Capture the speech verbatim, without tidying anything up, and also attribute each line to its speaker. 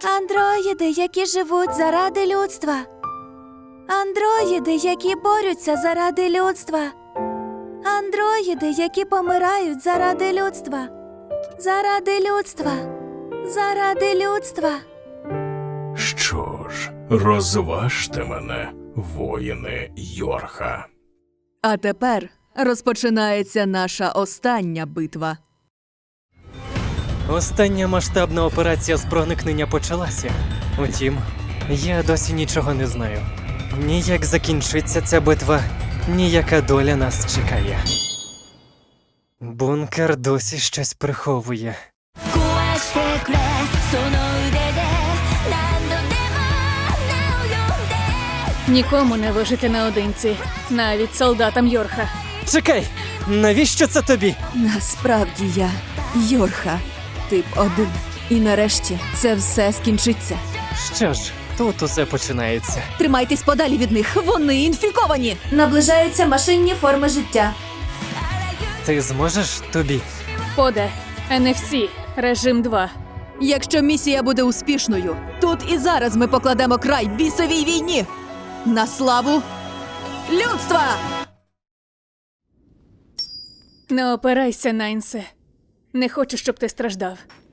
Speaker 1: Андроїди, які живуть заради людства. Андроїди, які борються заради людства. Андроїди, які помирають заради людства. Заради людства. Заради людства.
Speaker 2: Що ж, розважте мене, воїни Йорха.
Speaker 3: А тепер розпочинається наша остання битва.
Speaker 4: Остання масштабна операція з проникнення почалася. Утім, я досі нічого не знаю. Ні як закінчиться ця битва, ні яка доля нас чекає. Бункер досі щось приховує.
Speaker 5: Нікому не вижити наодинці, навіть солдатам Йорха.
Speaker 4: Чекай! Навіщо це тобі?
Speaker 3: Насправді я Йорха, тип один. І нарешті це все скінчиться.
Speaker 4: Що ж, тут усе починається.
Speaker 3: Тримайтесь подалі від них, вони інфіковані!
Speaker 1: Наближаються машинні форми життя.
Speaker 4: Ти зможеш тобі?
Speaker 5: Поде, ен еф сі, режим два.
Speaker 3: Якщо місія буде успішною, тут і зараз ми покладемо край бісовій війні! На славу людства!
Speaker 5: Не опирайся, Найнсе. Не хочу, щоб ти страждав.